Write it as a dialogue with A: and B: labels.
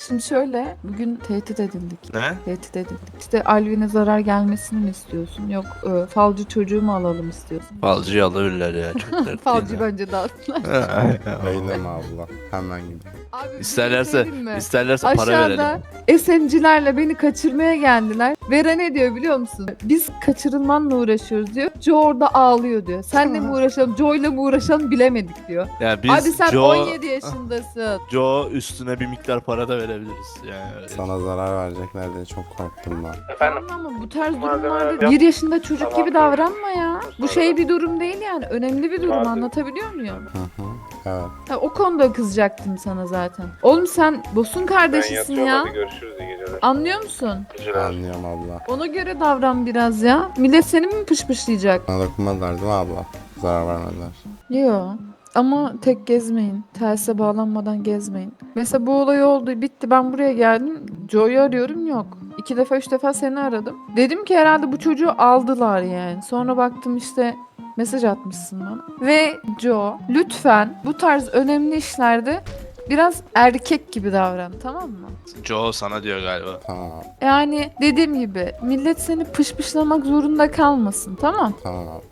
A: Şimdi şöyle, bugün tehdit edildik.
B: Ne?
A: Tehdit edildik. İşte Alvin'e zarar gelmesini mi istiyorsun? Yok, falcı çocuğu mu alalım istiyorsun?
B: Falcıyı alabilirler ya. Çok dert değil
A: Falcı
B: ya.
A: bence dağıttılar.
C: Eyleme abla. Hemen gidelim.
A: Abi bir şey
B: İsterlerse,
A: söyleyeyim mi?
B: isterlerse para
A: Aşağıda
B: verelim.
A: SMC'lerle beni kaçırmaya geldiler. Vera ne diyor biliyor musun? Biz kaçırılmanla uğraşıyoruz diyor. Joe orada ağlıyor diyor. Senle mi uğraşalım, Joe'yla mı uğraşalım bilemedik diyor.
B: Yani biz
A: Abi sen
B: Joe,
A: 17 yaşındasın.
B: Joe üstüne bir miktar para da verebiliriz. Yani öyle.
C: Sana zarar verecekler diye çok korktum ben.
D: Efendim?
A: Ama bu tarz
D: Malzeme
A: durumlarda
D: yok.
A: 1 yaşında çocuk
D: Tamam.
A: gibi davranma ya. Bu şey bir durum değil yani. Önemli bir durum,
D: Malzeme.
A: anlatabiliyor muyum?
C: Hı hı. Evet.
A: Ha, o konuda kızacaktım sana zaten. Oğlum sen Bos'un
D: Ben
A: kardeşisin
D: yatıyorum,
A: ya.
D: hadi görüşürüz, iyi geceler.
A: Anlıyor musun?
D: Geceler.
C: Anlıyorum abla.
A: Ona göre davran biraz ya. Millet seni mi pışpışlayacak?
C: Bana dokunmadılar değil mi abla? Zarar vermediler.
A: Yo. Ama tek gezmeyin. Telsize bağlanmadan gezmeyin. Mesela bu olay oldu, bitti. Ben buraya geldim. Joe'yu arıyorum, yok. 2 defa 3 defa seni aradım. Dedim ki herhalde bu çocuğu aldılar yani. Sonra baktım işte mesaj atmışsın bana. Ve Joe, lütfen bu tarz önemli işlerde biraz erkek gibi davran, tamam mı?
B: Joe sana diyor galiba.
C: Tamam.
A: Yani dediğim gibi millet seni pışpışlamak zorunda kalmasın, tamam?
C: Tamam.